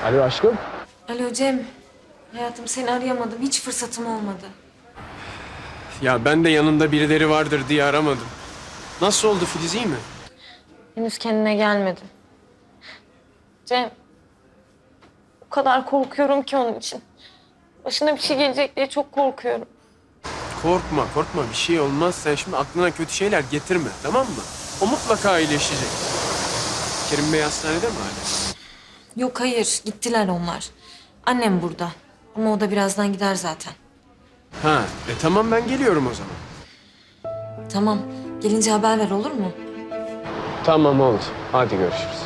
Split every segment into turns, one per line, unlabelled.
Alo aşkım.
Alo Cem. Hayatım seni arayamadım. Hiç fırsatım olmadı.
Ya ben de yanında birileri vardır diye aramadım. Nasıl oldu Filiz, iyi mi?
Henüz kendine gelmedi. Cem. O kadar korkuyorum ki onun için. Başına bir şey gelecek diye çok korkuyorum.
Korkma korkma, bir şey olmaz. Sen şimdi aklına kötü şeyler getirme, tamam mı? O mutlaka iyileşecek. Kerim Bey hastanede mi hala?
Yok hayır. Gittiler onlar. Annem burada. Ama o da birazdan gider zaten.
Ha, tamam ben geliyorum o zaman.
Tamam. Gelince haber ver olur mu?
Tamam oldu. Hadi görüşürüz.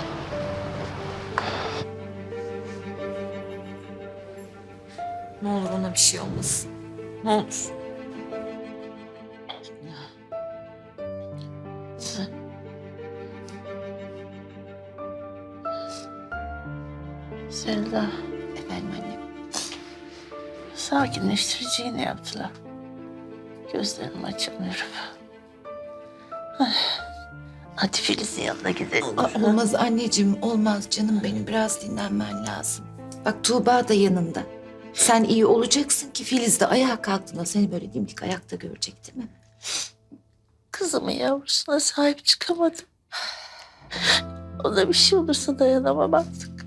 Ne olur ona bir şey olmasın. Ne olur.
Selda. Efendim annem. Sakinleştirici iğne yaptılar. Gözlerim açılmıyor. Hadi Filiz'in yanına gidelim.
Olmaz anneciğim, olmaz canım benim. Biraz dinlenmen lazım. Bak Tuğba da yanında. Sen iyi olacaksın ki Filiz de ayağa kalktığında seni böyle dimdik ayakta görecek değil mi?
Kızımın yavrusuna sahip çıkamadım. Ona bir şey olursa dayanamam artık.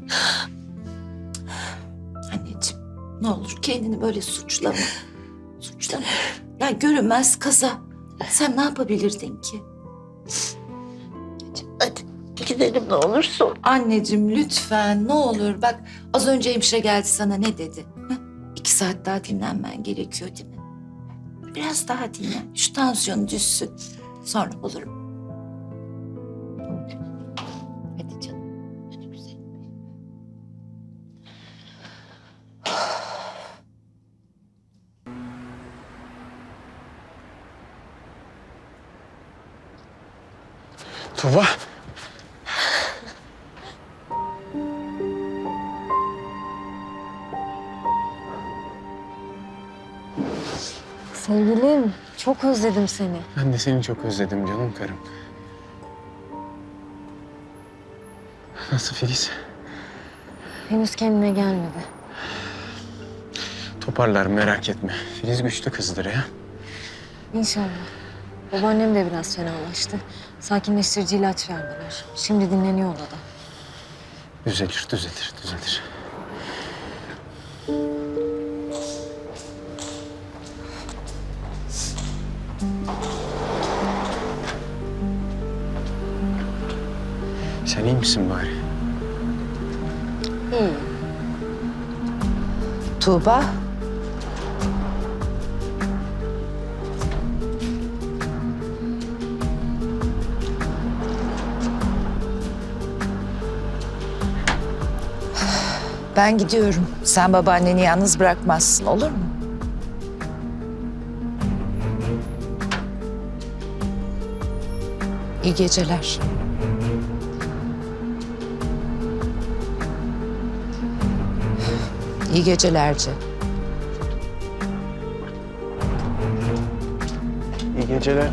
Anneciğim ne olur kendini böyle suçlama. Suçlama. Ya görünmez kaza. Sen ne yapabilirdin ki?
Hadi gidelim ne olursun.
Anneciğim lütfen ne olur. Bak az önce hemşire geldi sana ne dedi? Heh, 2 saat daha dinlenmen gerekiyor değil mi? Biraz daha dinlen. Şu tansiyonu düşsün. Sonra olur mu? Hadi canım. Hadi güzelim benim.
Tuğba.
Sevgilim, çok özledim seni.
Ben de seni çok özledim canım karım. Nasıl Filiz?
Henüz kendine gelmedi.
Toparlar, merak etme. Filiz güçlü kızdır ya.
İnşallah. Babaannem de biraz fenalaştı. Sakinleştirici ilaç verdiler. Şimdi dinleniyor odada.
Düzelir, düzelir, düzelir. Sen iyi misin bari?
İyi.
Tuğba. Ben gidiyorum. Sen babaanneni yalnız bırakmazsın, olur mu? İyi geceler. İyi gecelerce.
İyi geceler.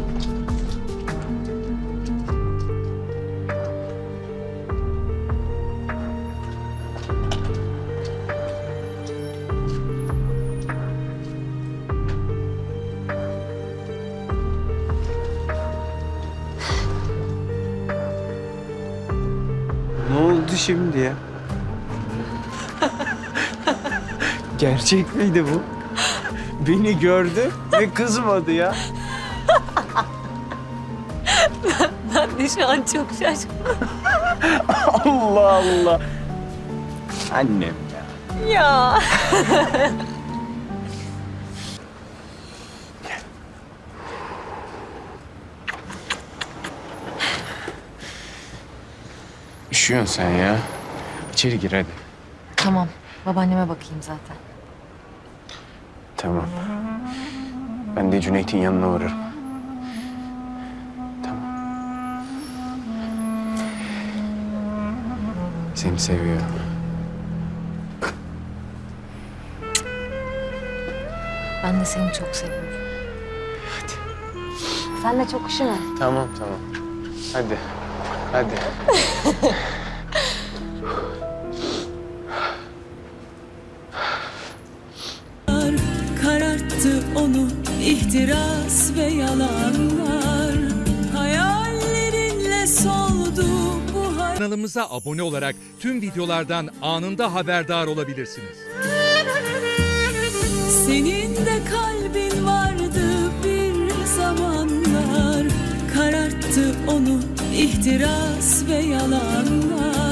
Ne oldu şimdi ya? Gerçek miydi bu? Beni gördü ve kızmadı ya.
Ben de şu an çok şaşkınım.
Allah Allah. Annem ya.
Ya.
Üşüyorsun sen ya. İçeri gir hadi.
Tamam. Babaanneme bakayım zaten.
Tamam. Ben de Cüneyt'in yanına uğrarım. Tamam. Seni seviyorum.
Ben de seni çok seviyorum. Hadi. Sen de çok üşüme.
Tamam tamam. Hadi. Hadi.
ihtiras ve yalanlar hayallerinle soldu bu hayat.
Kanalımıza abone olarak tüm videolardan anında haberdar olabilirsiniz.
Senin de kalbin vardı bir zamanlar, kararttı onu ihtiras ve yalanlar.